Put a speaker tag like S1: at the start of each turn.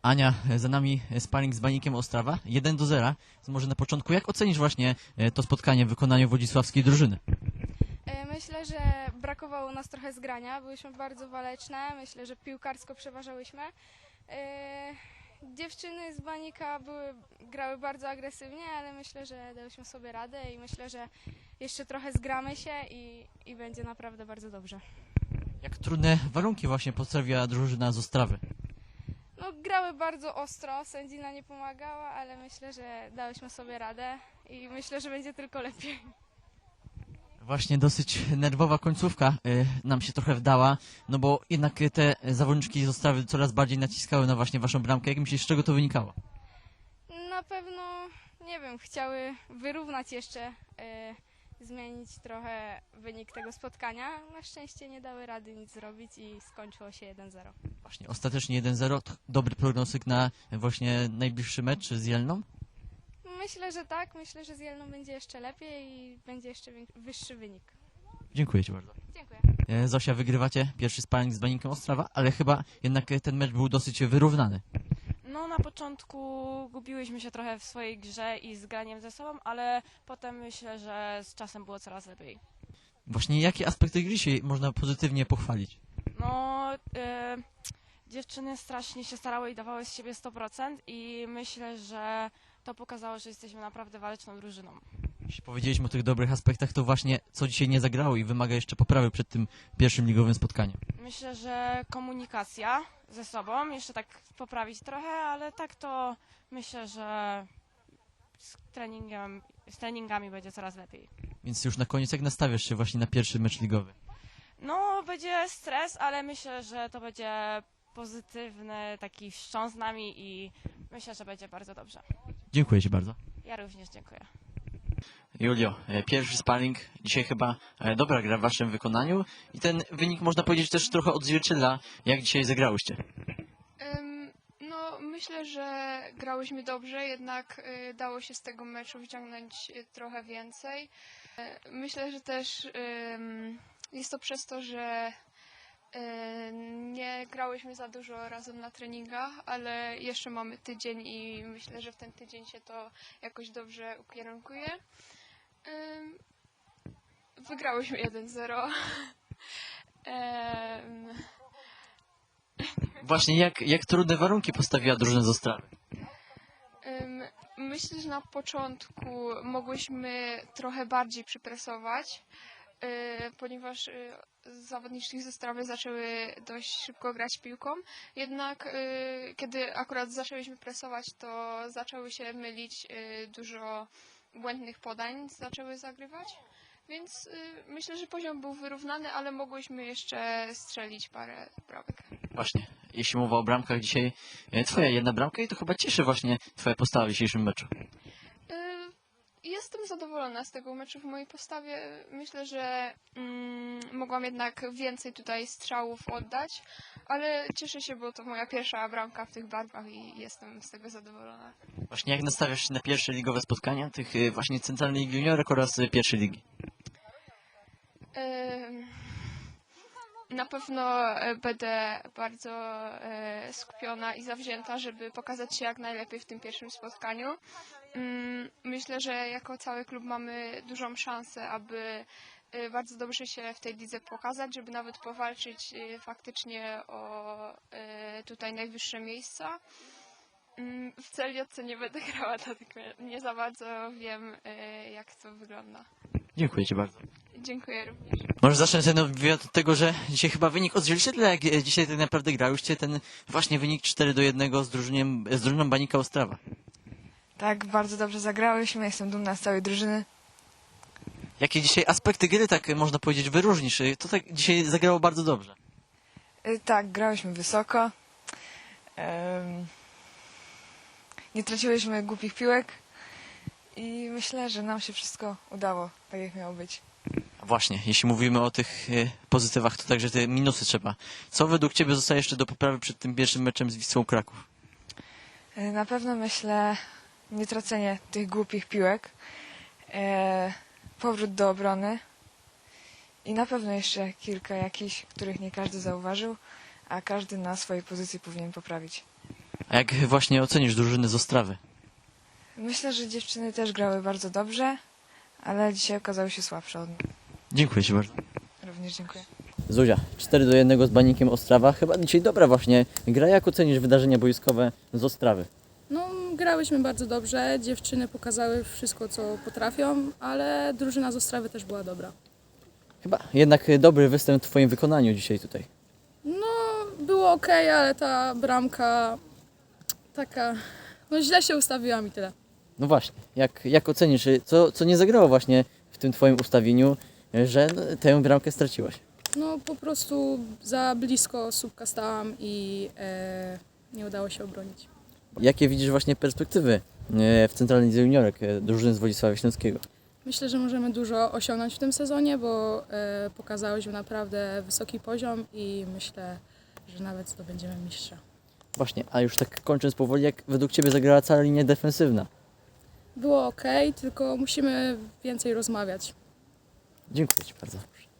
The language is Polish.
S1: Ania, za nami sparring z Banikiem Ostrawa, 1-0. Może na początku, jak ocenisz właśnie to spotkanie w wykonaniu wodzisławskiej drużyny?
S2: Myślę, że brakowało nas trochę zgrania, byłyśmy bardzo waleczne, myślę, że piłkarsko przeważałyśmy. Dziewczyny z Banika grały bardzo agresywnie, ale myślę, że dałyśmy sobie radę i myślę, że jeszcze trochę zgramy się i będzie naprawdę bardzo dobrze.
S1: Jak trudne warunki właśnie postawiła drużyna z Ostrawy?
S2: No, grały bardzo ostro, sędzina nie pomagała, ale myślę, że dałyśmy sobie radę i myślę, że będzie tylko lepiej.
S1: Właśnie dosyć nerwowa końcówka nam się trochę wdała, no bo jednak te zawodniczki z Ostrawy coraz bardziej naciskały na właśnie waszą bramkę. Jak myślisz, z czego to wynikało?
S2: Na pewno, nie wiem, chciały wyrównać jeszcze, zmienić trochę wynik tego spotkania. Na szczęście nie dały rady nic zrobić i skończyło się 1-0.
S1: Właśnie ostatecznie 1-0, to dobry prognostyk na właśnie najbliższy mecz z Jelną?
S2: Myślę, że tak. Myślę, że z Jelną będzie jeszcze lepiej i będzie jeszcze wyższy wynik.
S1: Dziękuję ci bardzo.
S2: Dziękuję.
S1: Zosia, wygrywacie pierwszy sparring z Banikiem Ostrawa, ale chyba jednak ten mecz był dosyć wyrównany.
S3: No na początku gubiłyśmy się trochę w swojej grze i z graniem ze sobą, ale potem myślę, że z czasem było coraz lepiej.
S1: Właśnie jakie aspekty gry się można pozytywnie pochwalić?
S3: No dziewczyny strasznie się starały i dawały z siebie 100% i myślę, że to pokazało, że jesteśmy naprawdę waleczną drużyną.
S1: Jeśli powiedzieliśmy o tych dobrych aspektach, to właśnie co dzisiaj nie zagrało i wymaga jeszcze poprawy przed tym pierwszym ligowym spotkaniem.
S3: Myślę, że komunikacja ze sobą, jeszcze tak poprawić trochę, ale tak to myślę, że z treningami będzie coraz lepiej.
S1: Więc już na koniec, jak nastawiasz się właśnie na pierwszy mecz ligowy?
S3: No, będzie stres, ale myślę, że to będzie pozytywny taki wstrząs z nami i myślę, że będzie bardzo dobrze.
S1: Dziękuję ci bardzo.
S3: Ja również dziękuję.
S1: Julio, pierwszy sparring, dzisiaj chyba dobra gra w waszym wykonaniu i ten wynik można powiedzieć też trochę odzwierciedla, jak dzisiaj zagrałyście.
S4: No, myślę, że grałyśmy dobrze, jednak dało się z tego meczu wyciągnąć trochę więcej. Myślę, że też jest to przez to, że nie grałyśmy za dużo razem na treningach, ale jeszcze mamy tydzień i myślę, że w ten tydzień się to jakoś dobrze ukierunkuje. Wygrałyśmy 1-0.
S1: Właśnie jak trudne warunki postawiła drużyna z Ostrawy?
S4: Myślę, że na początku mogłyśmy trochę bardziej przypresować, ponieważ zawodniczki ze Ostrawy zaczęły dość szybko grać piłką. Jednak kiedy akurat zaczęłyśmy presować, to zaczęły się mylić, dużo błędnych podań zaczęły zagrywać. Więc myślę, że poziom był wyrównany, ale mogłyśmy jeszcze strzelić parę bramek.
S1: Właśnie, jeśli mowa o bramkach dzisiaj, twoja jedna bramka i to chyba cieszy właśnie twoja postawa w dzisiejszym meczu.
S4: Jestem zadowolona z tego meczu w mojej postawie. Myślę, że mogłam jednak więcej tutaj strzałów oddać, ale cieszę się, bo to moja pierwsza bramka w tych barwach i jestem z tego zadowolona.
S1: Właśnie jak nastawiasz się na pierwsze ligowe spotkania tych właśnie centralnej ligi juniorek oraz pierwszej ligi?
S4: Na pewno będę bardzo skupiona i zawzięta, żeby pokazać się jak najlepiej w tym pierwszym spotkaniu. Myślę, że jako cały klub mamy dużą szansę, aby bardzo dobrze się w tej lidze pokazać, żeby nawet powalczyć faktycznie o tutaj najwyższe miejsca. W CLJ nie będę grała, dlatego nie za bardzo wiem, jak to wygląda.
S1: Dziękuję ci bardzo.
S4: Dziękuję również.
S1: Może zacznę ten wywiad od tego, że dzisiaj chyba wynik odzwierciedla, jak dzisiaj tak naprawdę grałyście ten właśnie wynik 4-1 z drużyną Banika Ostrawa.
S5: Tak, bardzo dobrze zagrałyśmy, jestem dumna z całej drużyny.
S1: Jakie dzisiaj aspekty gry, tak można powiedzieć, wyróżnisz? To tak dzisiaj zagrało bardzo dobrze.
S5: Tak, grałyśmy wysoko. Nie traciłyśmy głupich piłek i myślę, że nam się wszystko udało, tak jak miało być.
S1: Właśnie, jeśli mówimy o tych pozytywach, to także te minusy trzeba. Co według ciebie zostaje jeszcze do poprawy przed tym pierwszym meczem z Wisłą Kraków?
S5: Na pewno myślę nie tracenie tych głupich piłek, powrót do obrony i na pewno jeszcze kilka jakichś, których nie każdy zauważył, a każdy na swojej pozycji powinien poprawić.
S1: A jak właśnie ocenisz drużyny z Ostrawy?
S5: Myślę, że dziewczyny też grały bardzo dobrze, ale dzisiaj okazały się słabsze od nas.
S1: Dziękuję Ci bardzo.
S5: Również dziękuję.
S1: Zuzia, 4-1 z Baníkiem Ostrawa. Chyba dzisiaj dobra właśnie gra. Jak ocenisz wydarzenia boiskowe z Ostrawy?
S6: No, grałyśmy bardzo dobrze, dziewczyny pokazały wszystko, co potrafią, ale drużyna z Ostrawy też była dobra.
S1: Chyba jednak dobry występ w Twoim wykonaniu dzisiaj tutaj.
S6: No, było ok, ale ta bramka taka, no źle się ustawiłam i tyle.
S1: No właśnie, jak ocenisz, co nie zagrało właśnie w tym Twoim ustawieniu, że tę bramkę straciłaś?
S6: No, po prostu za blisko słupka stałam i nie udało się obronić.
S1: Jakie widzisz właśnie perspektywy w Centralnej Lidze Juniorek drużyny z Wodzisława Śląskiego?
S6: Myślę, że możemy dużo osiągnąć w tym sezonie, bo pokazałyśmy naprawdę wysoki poziom i myślę, że nawet zdobędziemy mistrza.
S1: Właśnie, a już tak kończąc powoli, jak według Ciebie zagrała cała linia defensywna?
S6: Było ok, tylko musimy więcej rozmawiać.
S1: Dziękuję Ci bardzo.